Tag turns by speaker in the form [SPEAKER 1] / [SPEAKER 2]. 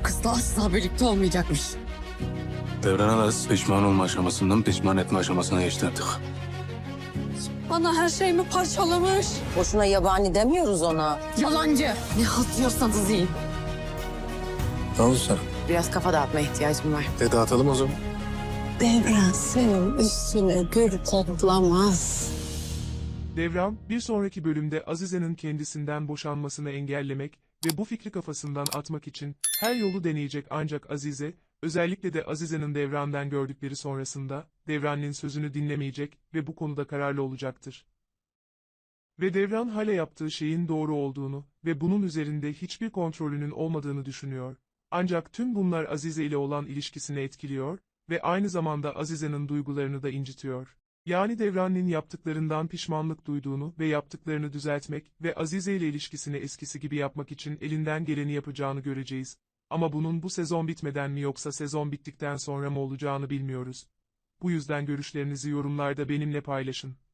[SPEAKER 1] kızla asla birlikte olmayacakmış.
[SPEAKER 2] Devran Aras pişman olma aşamasından pişman etme aşamasına geçti artık.
[SPEAKER 1] Bana her şeyimi parçalamış.
[SPEAKER 3] Boşuna yabani demiyoruz ona.
[SPEAKER 1] Yalancı. Ne halt yiyorsanız yiyin.
[SPEAKER 2] Ne oldu sana?
[SPEAKER 1] Biraz kafa dağıtmaya ihtiyacım var.
[SPEAKER 2] Dağıtalım o zaman.
[SPEAKER 1] Devran senin üstüne gül toplamaz.
[SPEAKER 4] Devran, bir sonraki bölümde Azize'nin kendisinden boşanmasını engellemek ve bu fikri kafasından atmak için her yolu deneyecek ancak Azize, özellikle de Azize'nin Devran'dan gördükleri sonrasında, Devran'ın sözünü dinlemeyecek ve bu konuda kararlı olacaktır. Ve Devran hala yaptığı şeyin doğru olduğunu ve bunun üzerinde hiçbir kontrolünün olmadığını düşünüyor. Ancak tüm bunlar Azize ile olan ilişkisini etkiliyor ve aynı zamanda Azize'nin duygularını da incitiyor. Yani Devran'ın yaptıklarından pişmanlık duyduğunu ve yaptıklarını düzeltmek ve Azize ile ilişkisini eskisi gibi yapmak için elinden geleni yapacağını göreceğiz. Ama bunun bu sezon bitmeden mi yoksa sezon bittikten sonra mı olacağını bilmiyoruz. Bu yüzden görüşlerinizi yorumlarda benimle paylaşın.